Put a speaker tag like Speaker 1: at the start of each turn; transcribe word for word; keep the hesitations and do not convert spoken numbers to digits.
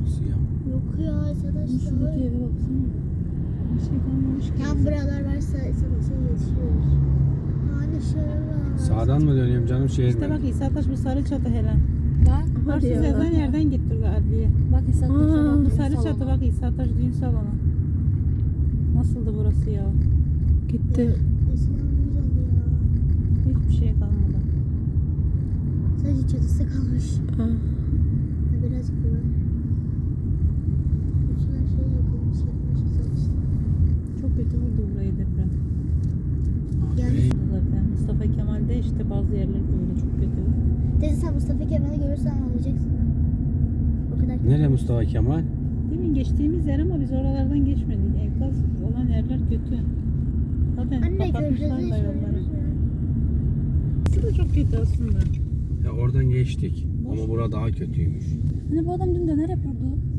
Speaker 1: burası ya.
Speaker 2: Yok ya arkadaşlar.
Speaker 3: Şuradaki eve baksana. Bir şey kalmamış ki.
Speaker 2: Yan buralar varsa sana şey yetişiyor. Hani şöyle.
Speaker 1: Sağdan mı dönüyorum canım şehir
Speaker 3: İşte
Speaker 1: mi?
Speaker 3: bak İsa Taş bu sarı çatı Helen.
Speaker 4: Bak.
Speaker 3: Hırsız yazan yerden gittir adliye.
Speaker 4: Bak İsa Taş'a bak.
Speaker 3: Sarı çatı bak İsa Taş düğün salonu. Nasıldı burası ya?
Speaker 2: Gitti. Eskiden ne güzeldi ya.
Speaker 3: Hiçbir şey kalmadı.
Speaker 2: Sadece çatısı kalmış. Ha. Birazcık bu var. Bütün her şey yıkılmış, yıkılmış, yıkılmış.
Speaker 3: Çok kötü vurdu burayı deprem.
Speaker 2: Yani
Speaker 3: Zaten Mustafa Kemal'de işte bazı yerler böyle çok kötü.
Speaker 2: teyze sen Mustafa Kemal'i görürsen ağlayacaksın. O kadar kötü.
Speaker 1: Nereye Mustafa Kemal?
Speaker 3: Demin geçtiğimiz yer ama biz oralardan geçmedik. Enkaz olan yerler kötü. Zaten
Speaker 2: Anne
Speaker 3: kapatmışlar
Speaker 2: köprüde
Speaker 3: da
Speaker 2: hiç
Speaker 3: yolları.
Speaker 2: görürüz mü?
Speaker 3: Burası da çok kötü aslında.
Speaker 1: Ya oradan geçtik. Ama bura daha kötüymüş.
Speaker 4: Hani bu adam dün döner yapıyordu.